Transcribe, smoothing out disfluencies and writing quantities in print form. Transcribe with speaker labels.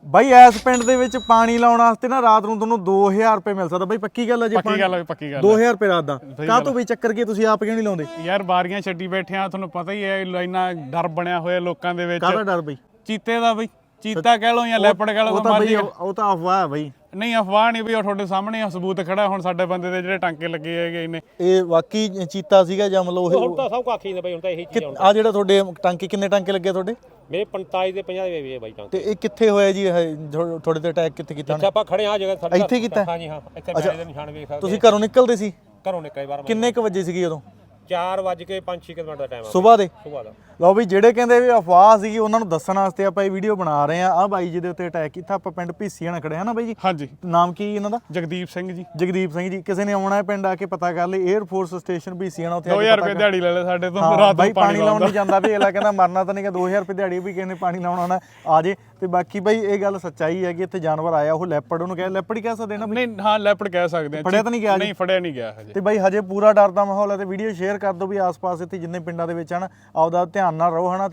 Speaker 1: ਬਾਈ ਇਸ ਪਿੰਡ ਦੇ ਵਿੱਚ ਪਾਣੀ ਲਾਉਣ ਵਾਸਤੇ ਨਾ ਰਾਤ ਨੂੰ ਤੁਹਾਨੂੰ 2000 ਰੁਪਏ ਮਿਲ ਸਕਦਾ ਬਾਈ, ਪੱਕੀ ਗੱਲ ਹੈ ਜੀ?
Speaker 2: ਪੱਕੀ ਗੱਲ ਹੈ, ਪੱਕੀ ਗੱਲ
Speaker 1: 2000 ਰੁਪਏ ਰਾਤ ਦਾ ਕਾਹ ਤੋਂ ਬਈ ਚੱਕਰ ਕੀ ਤੁਸੀਂ ਆਪ ਕਿਉਂ ਨਹੀਂ ਲਾਉਂਦੇ?
Speaker 2: ਯਾਰ ਬਾਰੀਆਂ ਛੱਡੀ ਬੈਠੇ ਆ, ਤੁਹਾਨੂੰ ਪਤਾ ਹੀ ਹੈ ਇੰਨਾ ਡਰ ਬਣਿਆ ਹੋਇਆ ਲੋਕਾਂ ਦੇ ਵਿੱਚ।
Speaker 1: ਕਾਹਦਾ ਡਰ ਬਈ?
Speaker 2: ਚੀਤੇ ਦਾ ਬਈ, ਚੀਤਾ ਕਹਿ ਲਓ ਜਾਂ ਲੈਪੜ ਕਹਿ ਲਓ,
Speaker 1: ਉਹ ਤਾਂ ਬਈ ਉਹ ਤਾਂ ਅਫਵਾਹ ਹੈ ਬਈ।
Speaker 2: ਨਹੀਂ ਅਫਵਾਹ ਨਹੀਂ ਬਈ, ਉਹ ਤੁਹਾਡੇ ਸਾਹਮਣੇ ਆ, ਸਬੂਤ ਖੜਾ ਹੁਣ ਸਾਡੇ ਬੰਦੇ ਦੇ ਜਿਹੜੇ ਟਾਂਕੇ ਲੱਗੇ ਹੈਗੇ ਇਹਨੇ।
Speaker 1: ਇਹ ਵਾਕਈ ਚੀਤਾ ਸੀਗਾ ਜਾਂ ਮਤਲਬ
Speaker 3: ਹੁਣ ਤਾਂ ਸਭ ਕਾਖੀ ਨੇ ਬਾਈ, ਹੁਣ ਤਾਂ ਇਹੀ ਚੀਜ਼
Speaker 1: ਆ ਜਿਹੜਾ ਤੁਹਾਡੇ ਟਾਂਕੇ ਕਿੰਨੇ ਟਾਂਕੇ ਲੱਗੇ ਤੁਹਾਡੇ?
Speaker 3: ਮੇਰੇ 45 ਦੇ 50 ਦੇ ਵੀ ਬਾਈ ਟਾਂਕੇ।
Speaker 1: ਤੇ ਇਹ ਕਿੱਥੇ ਹੋਇਆ ਜੀ? ਇਹ ਤੁਹਾਡੇ ਤੇ ਅਟੈਕ ਕਿੱਥੇ ਕੀਤਾ?
Speaker 3: ਇੱਥੇ ਆਪਾਂ ਖੜੇ ਆ ਜਗ੍ਹਾ ਸਾਡੇ
Speaker 1: ਇੱਥੇ ਕੀਤਾ?
Speaker 3: ਹਾਂਜੀ ਹਾਂ, ਇੱਥੇ ਮੇਰੇ ਦੇ ਨਿਸ਼ਾਨ ਵੇਖ ਸਕਦੇ।
Speaker 1: ਤੁਸੀਂ ਘਰੋਂ ਨਿਕਲਦੇ ਸੀ?
Speaker 3: ਘਰੋਂ ਨਿਕਲੇ ਬਾਹਰ
Speaker 1: ਕਿੰਨੇ ਕੁ ਵਜੇ ਸੀਗੀ ਉਦੋਂ?
Speaker 3: 4:05 ਮਿੰਟ ਦਾ ਟਾਈਮ ਆ
Speaker 1: ਸਵੇਰ ਦੇ।
Speaker 3: ਸੁਬਾਹ ਦਾ।
Speaker 1: ਲਓ ਵੀ ਜਿਹੜੇ ਕਹਿੰਦੇ ਵੀ ਅਫਵਾਹ ਸੀਗੀ ਉਹਨਾਂ ਨੂੰ ਦੱਸਣ ਵਾਸਤੇ ਆਪਾਂ ਇਹ ਵੀਡੀਓ ਬਣਾ ਰਹੇ ਆ। ਬਾਈ ਜੀ ਦੇ ਉੱਤੇ ਅਟੈਕ ਕੀਤਾ, ਆਪਾਂ ਪਿੰਡ ਭੀਸੀਆਂ ਖੜੇ ਹਾਂ ਨਾ ਬਾਈ ਜੀ?
Speaker 2: ਹਾਂਜੀ।
Speaker 1: ਨਾਮ ਕੀ ਇਹਨਾਂ ਦਾ?
Speaker 2: ਜਗਦੀਪ ਸਿੰਘ ਜੀ।
Speaker 1: ਜਗਦੀਪ ਸਿੰਘ ਜੀ। ਕਿਸੇ ਨੇ ਆਉਣਾ ਹੈ ਪਿੰਡ ਆ ਕੇ ਪਤਾ ਕਰ ਲਈ, 에ਅਰ ਫੋਰਸ ਸਟੇਸ਼ਨ ਭੀਸੀਆਂ ਉੱਥੇ
Speaker 2: 2000 ਰੁਪਏ ਦਿਹਾੜੀ ਲੈ ਲੈ ਸਾਡੇ ਤੋਂ,
Speaker 1: ਹਾਂ
Speaker 2: ਰਾਤ
Speaker 1: ਬਾਈ
Speaker 2: ਨੂੰ
Speaker 1: ਪਾਣੀ ਲਾਉਣ ਨਹੀਂ ਜਾਂਦਾ ਵੀ, ਅਗਲਾ ਕਹਿੰਦਾ ਮਰਨਾ ਤਾਂ ਨਹੀਂ ਕਿ 2000 ਰੁਪਏ ਦਿਹਾੜੀ ਵੀ ਕਿਸੇ ਨੇ ਪਾਣੀ ਲਾਉਣ ਆਉਣਾ ਆ ਜੇ। ਤੇ ਬਾਕੀ ਬਾਈ ਇਹ ਗੱਲ ਸੱਚਾਈ ਹੈ ਕਿ ਇੱਥੇ ਜਾਨਵਰ ਆਇਆ, ਉਹ ਲੈਪੜ, ਉਹਨੂੰ ਕਹਿ ਲੈਪੜ ਹੀ ਕਹਿ ਸਕਦੇ ਨਾ?
Speaker 2: ਨਹੀਂ ਹਾਂ ਲੈਪੜ ਕਹਿ ਸਕਦੇ ਆ।
Speaker 1: ਫੜਿਆ ਤਾਂ ਨਹੀਂ ਗਿਆ?
Speaker 2: ਨਹੀਂ ਫੜਿਆ ਨਹੀਂ ਗਿਆ ਹਜੇ।
Speaker 1: ਤੇ ਬਾਈ ਹਜੇ ਪੂਰਾ ਡਰ ਦਾ ਮਾਹੌਲ ਹੈ ਤੇ ਵੀਡੀਓ ਸ਼ੇਅਰ ਕਰ ਦਿਓ ਵੀ ਆਸ-ਪਾਸ ਇੱਥੇ ਜਿੰਨੇ ਪਿੰਡਾਂ ਦੇ ਵਿੱਚ ਹਨ, ਆਪਦਾ ਧਿਆਨ ਨਾਲ ਰਹੋ ਹਨਾ।